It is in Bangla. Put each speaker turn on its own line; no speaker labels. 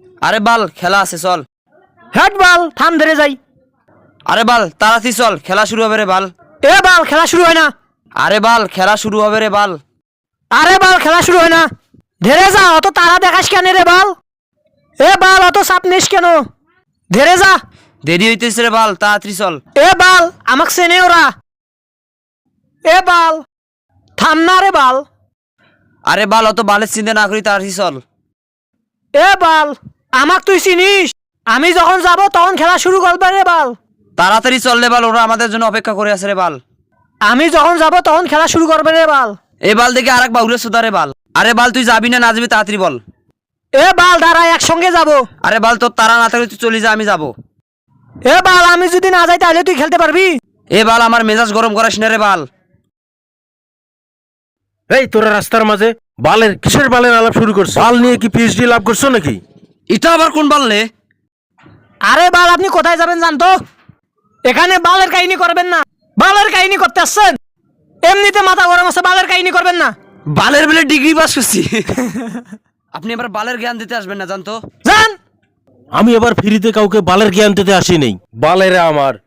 আরে বাল খেলা আছে চল।
হেড বাল থাম ধরে যাই।
আরে বাল তাড়াতাড়ি চল, খেলা শুরু হবে রে বাল।
এ বাল খেলা শুরু হয় না।
আরে বাল খেলা শুরু হবে রে বাল।
আরে বাল খেলা শুরু হয় না। ধরে যা, অত তারা দেখাস কেন রে বাল? এ বাল অত চাপ নিস কেন? ধরে যা।
দেরি হইতেছে রে বাল, তাড়াতাড়ি চল।
এ বাল আমাক চেনে ওরা। এ বাল থাম না রে বাল।
আরে বাল অত বালের চিন্তা না করি তাড়াতাড়ি চল।
এ বাল আমাক তুই চিনিস? আমি যখন যাব তখন খেলা শুরু করবে রে বাল।
তাড়াতাড়ি চল রে বাল, ওরা আমাদের জন্য অপেক্ষা করে আছে রে বাল।
আমি যখন যাব তখন খেলা শুরু করবে রে বাল।
এই বাল দেখে আরেক বাউরে সুদা রে বাল। আরে বাল তুই যাবি না যাবি তাড়াতাড়ি বল।
এ বাল দাঁড়া, একসঙ্গে যাব।
আরে বাল তোর তারা না থাকলে তুই চলে যা, আমি যাবো।
এ বাল আমি যদি না যাই তাহলে তুই খেলতে পারবি?
এ বাল আমার মেজাজ গরম করাস না রে বাল।
এই তোরা রাস্তার মাঝে কিসের বালের আলাপ শুরু করছো? বাল নিয়ে কি পিএইচডি লাভ করছো নাকি?
এটা আবার কোন বাল রে?
আরে বাল আপনি কোথায় যাবেন জানতো? এখানে বালের কাহিনী করবেন না। বালের কাহিনী করতে আসছেন? এমনিতে মাথা গরম আছে, বালের কাহিনী করবেন না।
বালের বেলে ডিগ্রি পাস করছি। আপনি এবার বালের জ্ঞান দিতে আসবেন না জানতো?
যান।
আমি এবার ফ্রিতে কাউকে বালের জ্ঞান দিতে আসি নেই। বালেরা আমার